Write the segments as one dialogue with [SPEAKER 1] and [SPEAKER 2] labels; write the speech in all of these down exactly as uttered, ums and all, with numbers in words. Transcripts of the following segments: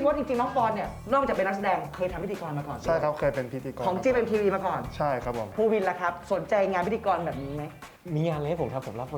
[SPEAKER 1] พจน์จริงๆน้องปอนเนี่ยนอกจากเป็นนักแสดงเคยทำพิธีกรมาก่อน
[SPEAKER 2] ใช่ครับเคยเป็นพิธีกร
[SPEAKER 1] ของจีเป็นทีวีมาก่อน
[SPEAKER 2] ใช่ครับผม
[SPEAKER 1] ภูวินล่ะครับสนใจงานพิธีกรแบบนี้ไหม
[SPEAKER 3] มีงานอะไรให้ผมทำผมรับบท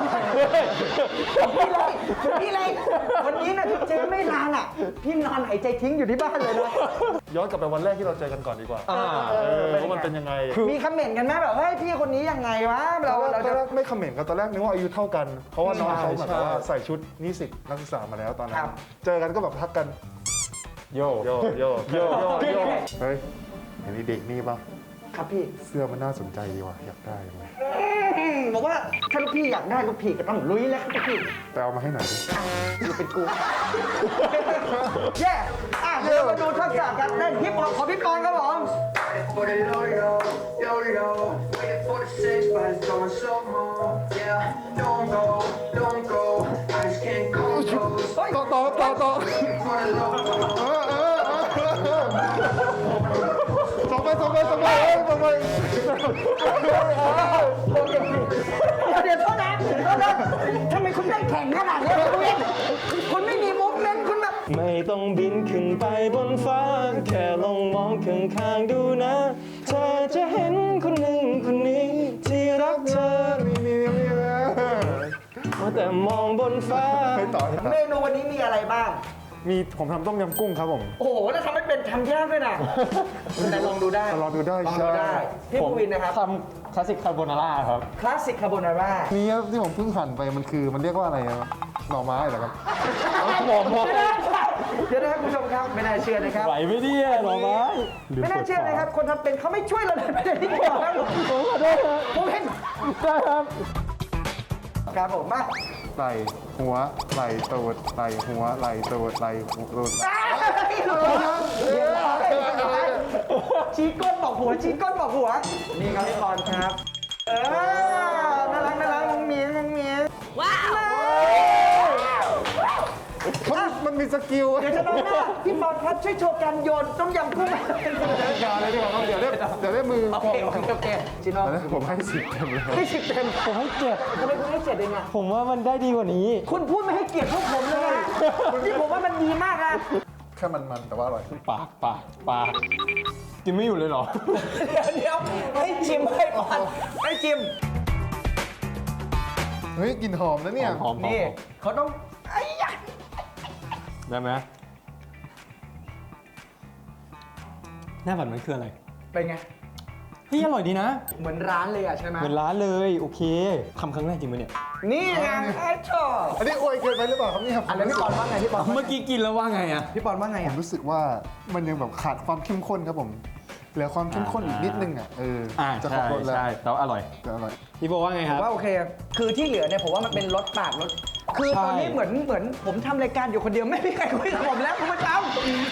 [SPEAKER 1] พี่เลยพี่เลยวันนี้นะเจไม่นานอ่ะพี่นอนหายใจทิ้งอยู่ที่บ้านเลยนะ
[SPEAKER 2] ย้อนกลับไปวันแรกที่เราเจอกันก่อนดีกว่า
[SPEAKER 3] อ่า
[SPEAKER 2] เออว่ามันเป็นยังไง
[SPEAKER 1] มีคอมเมนต์กันไหมแบบเฮ้ยพี่คนนี้ยังไงวะ
[SPEAKER 2] ต
[SPEAKER 1] เรา
[SPEAKER 2] อนแร
[SPEAKER 1] เรา
[SPEAKER 2] กตอ
[SPEAKER 1] จะ
[SPEAKER 2] นแรกไม่คอมเมนต์กันตอนแรกนึกว่าอายุเท่ากัน เพราะว่าน้องเขา
[SPEAKER 3] ใช่
[SPEAKER 2] แบบว่า
[SPEAKER 3] ใช่
[SPEAKER 2] ใส่ชุดนิสิตนักศึกษามาแล้วตอนนั้
[SPEAKER 1] คน รับ
[SPEAKER 2] เจอกันก็แบบทักกัน
[SPEAKER 3] โย
[SPEAKER 2] โยโย
[SPEAKER 3] โย
[SPEAKER 2] โยโยเฮ้ยเห็นไอ้เด็กนี่ปะ
[SPEAKER 1] ครับพี่
[SPEAKER 2] เสื้อมันน่าสนใจดีว่ะอยากได้ไหม
[SPEAKER 1] อืมบอกว่าถ้าลูกพี่อยากได้ลูกพี่ก็ต้องลุยแล้วครับลูกพี่
[SPEAKER 2] ไปเอามาให้หน่อยดิ
[SPEAKER 1] อยู่เป็นกูแย่อ่ะเดี๋ยวมาดูทักษะการเต้นพี่ปอนขอพี่ปอนครับผม
[SPEAKER 4] For the yo yo, yo yo, waiting for the six, but it's going slow mo. Yeah, don't go, don't go, I just can't go close.
[SPEAKER 2] ต่อต่อต่อต่อ
[SPEAKER 4] Waiting for the low.
[SPEAKER 2] เออเออเออเออส่งไปส่งไปส่งไปเอ้ยส่งไป
[SPEAKER 1] โอเคเดี๋ยวโทษนะโทษนะทำไมคุณได้แข่งขนาดนี้คุณเองคุณไม่มีมุกเล่นคุณแบบ
[SPEAKER 3] ไม่ต้องบินขึ้นไปบนฟ้า แค่ลองมองข้างๆดูนะ เธอจะเห็นคนหนึ่งคนนี้ที่รักเธอ
[SPEAKER 2] มีมีมีมี
[SPEAKER 3] ว่าแต่มองบนฟ้า
[SPEAKER 2] ไปต่อ
[SPEAKER 1] เมนูวันนี้มีอะไรบ้าง
[SPEAKER 2] มีผมทำต้มยำกุ้งครับผม
[SPEAKER 1] โอ้โหแล้วทำให้เป็นทำยากด้วยนะแต่ลองดูได้
[SPEAKER 2] ลองดูได้
[SPEAKER 1] ลอง
[SPEAKER 2] ใช่
[SPEAKER 1] ดูได้พี่ภูวินนะครับ
[SPEAKER 3] ทำคลาสสิกคาโบนาร่าครับ
[SPEAKER 1] คลาสสิกคาโบนาร่า
[SPEAKER 2] นี่ครับที่ผมเพิ่งหั่นไปมันคือมันเรียกว่าอะไรครับหน่อไม้เหรอครับ
[SPEAKER 3] หน่อไม้
[SPEAKER 1] เดี๋ยวนะครับคุณผู้ชมครับไม่น่าเชื่อนะครับ
[SPEAKER 3] ไหวไหมเนี่ยหน่อไม้
[SPEAKER 1] ไม่น่าเชื่อนะครับคนทำเป็นเขาไม่ช่วยเราเลยไม่ได้ที่เกี่ยวครับผมขอโทษครับผมเห็น
[SPEAKER 3] ได้ครับ
[SPEAKER 1] ครับผมมา
[SPEAKER 2] ไหล่หัวไหล่ตูดไหล่หัวไหล่ตูดไหล่หัวตูด
[SPEAKER 1] ชี้ก้นบอกหัวชี้ก้นบอกหัวนี่ครับพี่ปอนครับเออน่ารักน่ารักงงเมียงงเมียว้าว
[SPEAKER 2] มันมันมีสกิล
[SPEAKER 1] เดี๋ยวจะน้องหน้าพี่ปอนครับช่วยโชว์การโยนต้มยำกุ้ง
[SPEAKER 2] อย่าเลยดีกว่าครับเดี๋ยวได้เดี๋ยวได้มือ
[SPEAKER 1] โอเคโอเคโอเคจิโน่
[SPEAKER 2] เดี๋ยวผมให้สิบเต็มเลย
[SPEAKER 1] ให้สิบเต็ม
[SPEAKER 3] ผมให้เจ็ด
[SPEAKER 1] ทำไมคุณให้เจ็ดเองอ่ะ
[SPEAKER 3] ผมว่ามันได้ดีกว่านี้
[SPEAKER 1] คุณพูดไม่ให้เกียรติพวกผมเลยนะนี่ผมว่ามันดีมากนะ
[SPEAKER 2] แค่มันๆแต่ว่าอร่อย
[SPEAKER 3] ปากปากปากกินไม่อยู่เลยเหรอ
[SPEAKER 1] เดี๋ยวเดี๋ยวให้ชิมให้ปอนให้ชิม
[SPEAKER 2] เฮ้ยกลิ่นหอมนะเนี่ย
[SPEAKER 3] หอมๆ
[SPEAKER 1] นี่เขาต้องไอ้ยะ
[SPEAKER 3] ได้ไหมหน้าบัตรมันคืออะไร
[SPEAKER 1] เป็นไง
[SPEAKER 3] เฮ้ยอร่อยดีนะ
[SPEAKER 1] เหมือนร้านเลยอ่ะใช่ไหม
[SPEAKER 3] เหมือนร้านเลย โอเคทำครั้งแรกจริงไหมเนี่ย
[SPEAKER 1] นี่ไงไอ้ชอบ
[SPEAKER 2] อันนี้อวยเกินไปหรือเปล่าครับเนี่ย
[SPEAKER 1] อันนี้พี่ปอนว่าไงพี่ปอน
[SPEAKER 3] เมื่อกี้กินแล้วว่าไงอะ
[SPEAKER 1] พี่ปอนว่าไง
[SPEAKER 2] ผ
[SPEAKER 1] อ่ะ
[SPEAKER 2] มรู้สึกว่ามันยังแบบขาดความเข้มข้นครับผมเหลือความเข้มข้นอีกนิดนึงอ่ะเออ
[SPEAKER 3] อ่า
[SPEAKER 2] จะคร
[SPEAKER 3] ใช่
[SPEAKER 2] บรสแล้ว
[SPEAKER 3] ใช่แต่ว่าอร่อย
[SPEAKER 2] จะอร่อย
[SPEAKER 3] พี่โบว่าไงครับ
[SPEAKER 1] ว่าโอเค คือที่เหลือเนี่ยผมว่ามันเป็นรสปากรสคือ
[SPEAKER 3] ใช่
[SPEAKER 1] ตอนนี้เหมือนเหมือนผมทำรายการอยู่คนเดียวไม่มีใครคุยกับผมแล้วคุณผู้ชม